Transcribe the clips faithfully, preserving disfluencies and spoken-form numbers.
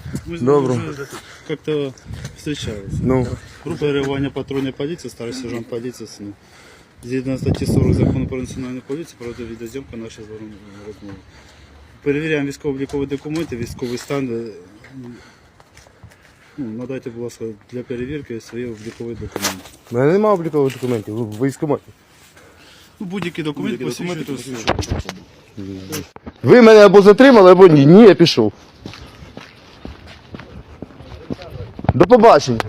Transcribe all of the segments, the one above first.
Мы с Добро. ним уже как-то встречались. Ну, Группа реагування патрульної поліції, старший сержант поліції. Згідно статті сорок закону про національну поліцію, проводить відеозйомка нашої з вами розмови. Перевіряємо військово-облікові документи, військовий стан. Ну, надайте, будь ласка, для перевірки свої облікові документи. в мене немає облікових документів, ви в військкоматі. Ну, будь-які документи посвідчують особу. Ви мене або затримали, або ні. Ні, я пішов. До побачення.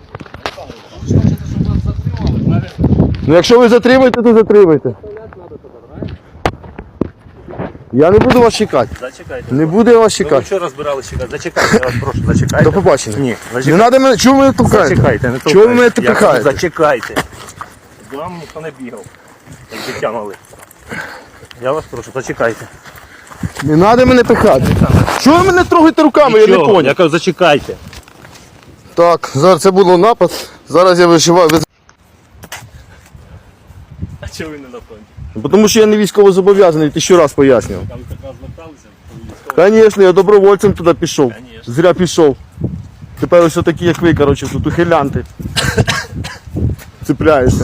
Ну, якщо ви затримаєте, то затримайте. Я не буду вас чекати. Зачекайте. Не буду я вас Ви чекати. вчора збирали чекати. Зачекайте, я вас прошу, зачекайте. До побачення. Ні, Не зачекайте. треба мене. Чого ви мене толкаєте? Зачекайте, не толкайте. Чого ви мене Я кажу, толкаєте? Зачекайте. До вам ніхто не бігав, як дитя мали. Я вас прошу, зачекайте. Не треба мене пихати. Чого ви мене трогаєте руками, я не Нічого, понял. я кажу, зачекайте. Так, зараз це було напад. Зараз я вишиваю. А чого ви не на фронті? Тому що я не військово зобов'язаний, ти ще раз пояснював. Там така зверталися, Звісно, я добровольцем туди пішов. Конечно. Зря пішов. Тепер ось такі, як ви, коротше, тут ухилянти. Цепляєшся.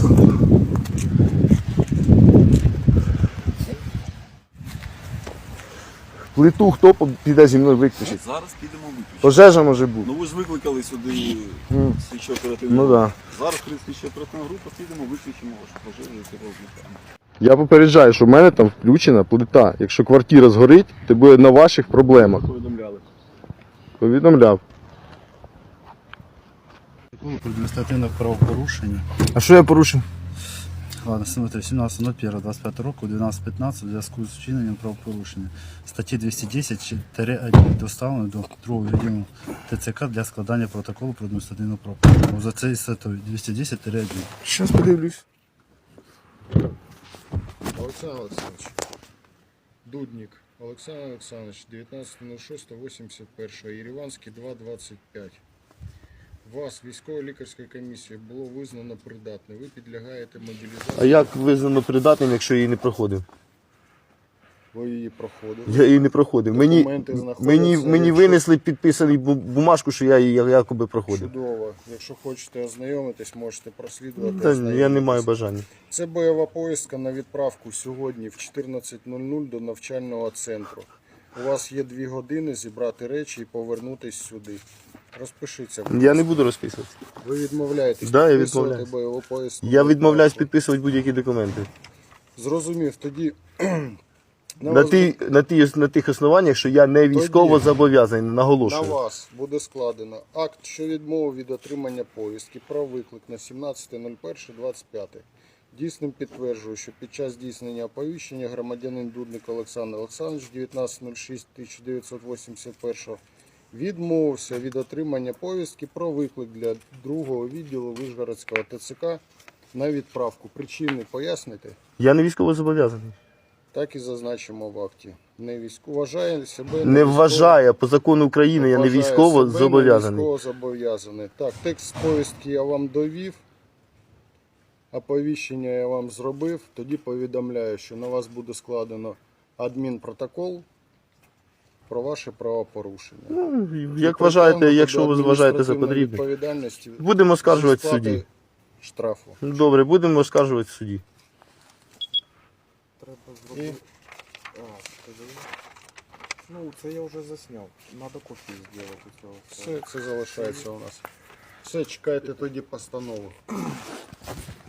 Плиту хто піде зі мною виключить? Зараз підемо виключити. Пожежа може бути. Ну ви ж викликали сюди слідчо оперативну Ну групу. так. Зараз при слідчо оперативну групу підемо, виключимо вашу пожежу і розлікаємо. Я попереджаю, що в мене там включена плита. Якщо квартира згорить, то буде на ваших проблемах. Повідомляли. Повідомляв. Про адміністративне правопорушення. А що я порушив? Ладно, смотри, сімнадцяте перше двадцять п'ятого року, дванадцять п'ятнадцять, у зв'язку з вчиненням правопорушення. Статті двісті десять один доставлено до другого відділу ТЦК для складання протоколу про адміністративне правопорушення. За цією статтею двісті десять один. Зараз подивлюсь. Олександр Олександрович, Дудник Олександр Олександрович, дев'ятнадцяте шосте вісімдесят перше, Єреванський два двадцять п'ять. Вас військово-лікарською комісією було визнано придатним. Ви підлягаєте мобілізації. А як визнано придатним, якщо я її не проходив? Ви її проходили. Я її не проходив. Мені, Документи знаходяться, мені, мені якщо- винесли підписаний бу- бумажку, що я її якоби проходив. Чудово. Якщо хочете ознайомитись, можете прослідувати. Та, я не ознайомитись. маю бажання. Це бойова поїздка на відправку сьогодні в чотирнадцять нуль нуль до навчального центру. У вас є дві години зібрати речі і повернутись сюди. Розпишіться. будь Я ласка. не буду розписувати. Ви відмовляєтесь Да, я підписувати відмовляюсь. бойову поїздку? Я відмовляюсь підписувати будь-які документи. Зрозумів. Тоді на, На, вас, ті, на, ті, на тих основаннях, що я не військово Тоді зобов'язаний, на наголошую. вас буде складено акт, що відмови від отримання повістки про виклик на сімнадцяте перше двадцять п'яте. Дійсним підтверджую, що під час здійснення оповіщення громадянин Дудник Олександр Олександрович дев'ятнадцяте шосте тисяча дев'ятсот вісімдесят першого відмовився від отримання повістки про виклик для другого відділу Вишгородського ТЦК на відправку. Причини поясните? Я не військово зобов'язаний. Так і зазначимо в акті. Не військо вважає себе Не вважає, по закону України я не вважає військово себе зобов'язаний. Не військово зобов'язаний. Так, текст повістки я вам довів. Оповіщення я вам зробив. Тоді повідомляю, що на вас буде складено адмінпротокол про ваше правопорушення. Ну, як вважаєте, якщо ви вважаєте за потрібне. Відповідальності Будемо оскаржувати в зі сплати суді. Штрафу. Добре, будемо оскаржувати в суді. І Ну, це я вже засняв. Надо копію зробити цього. все це залишається у нас. Все, чекайте тоді постанову.